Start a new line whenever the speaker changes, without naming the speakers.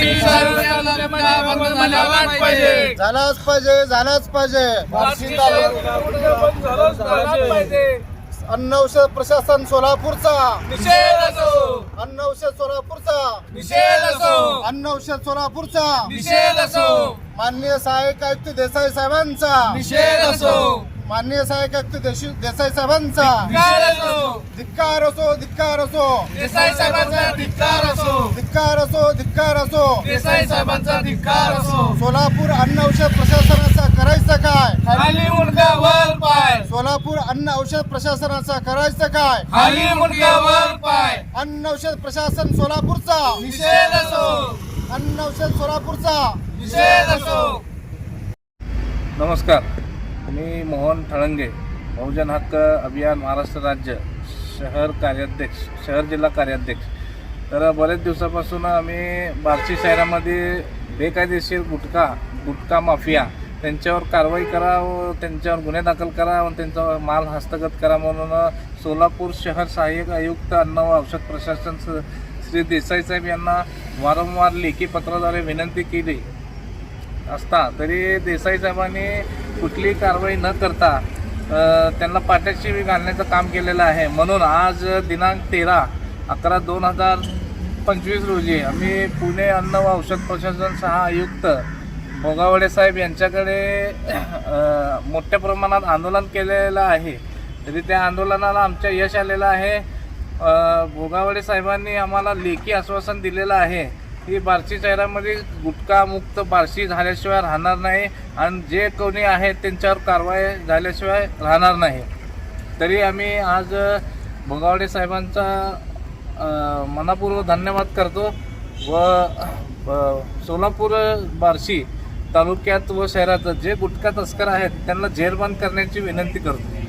झालाच पाहिजे अन्न औषध प्रशासन सोलापूरचा अन्न औषध सोलापूरचा माननीय सहाय्यक आयुक्त देसाई साहेबांचा माननीय सहाय्यक आयुक्त देसाई साहेबांचा धिक्कार असो
देसाई साहेबांचा
धिक्कार असो
देसाई साहेबांचा धिक्कार असो.
सोलापूर अन्न औषध प्रशासनाचा करायचं काय?
खाली मुंडका वर पाय.
सोलापूर अन्न औषध प्रशासनाचा करायचं काय?
खाली मुंडका वर पाय.
अन्न औषध प्रशासन सोलापूरचा
निषेध असो.
अन्न औषध सोलापूरचा
निषेध असो.
नमस्कार, मी मोहन ठळंगे, बहुजन हक्क अभियान महाराष्ट्र राज्य शहर जिल्हा कार्याध्यक्ष. तर बरेच दिवसापासून आम्ही बार्शी शहरामध्ये बेकायदेशीर गुटखा माफिया त्यांच्यावर कारवाई करा व त्यांच्यावर गुन्हे दाखल करा व त्यांचा माल हस्तगत करा म्हणून सोलापूर शहर सहाय्यक आयुक्त अन्न व औषध प्रशासन श्री देसाई साहेब यांना वारंवार लेखी पत्राद्वारे विनंती केली असता तरी देसाई साहेबांनी कुठलीही कारवाई न करता त्यांना पाठीशी घालण्याचं काम केलेलं आहे. म्हणून आज दिनांक 13/11/2025 रोजी आम्ही पुणे अन्न व औषध प्रशासन सहा आयुक्त भोगावळे साहेब यांच्याकडे मोठ्या प्रमाणात आंदोलन केलेलं आहे. तरी त्या आंदोलनाला आमच्या यश आलेलं आहे. भोगावळे साहेबांनी आम्हाला लेखी आश्वासन दिलेलं आहे की बार्शी शहरामध्ये गुटखा मुक्त बार्शी झाल्याशिवाय राहणार नाही आणि जे कोणी आहेत त्यांच्यावर कारवाई झाल्याशिवाय राहणार नाही. तरी आम्ही आज भोगावळे साहेबांचा मनापूर्वक धन्यवाद करतो व सोलापूर बार्शी तालुक्यात व शहरात जे गुटखा तस्कर आहेत त्यांना जेरबंद करण्याची विनंती करतो.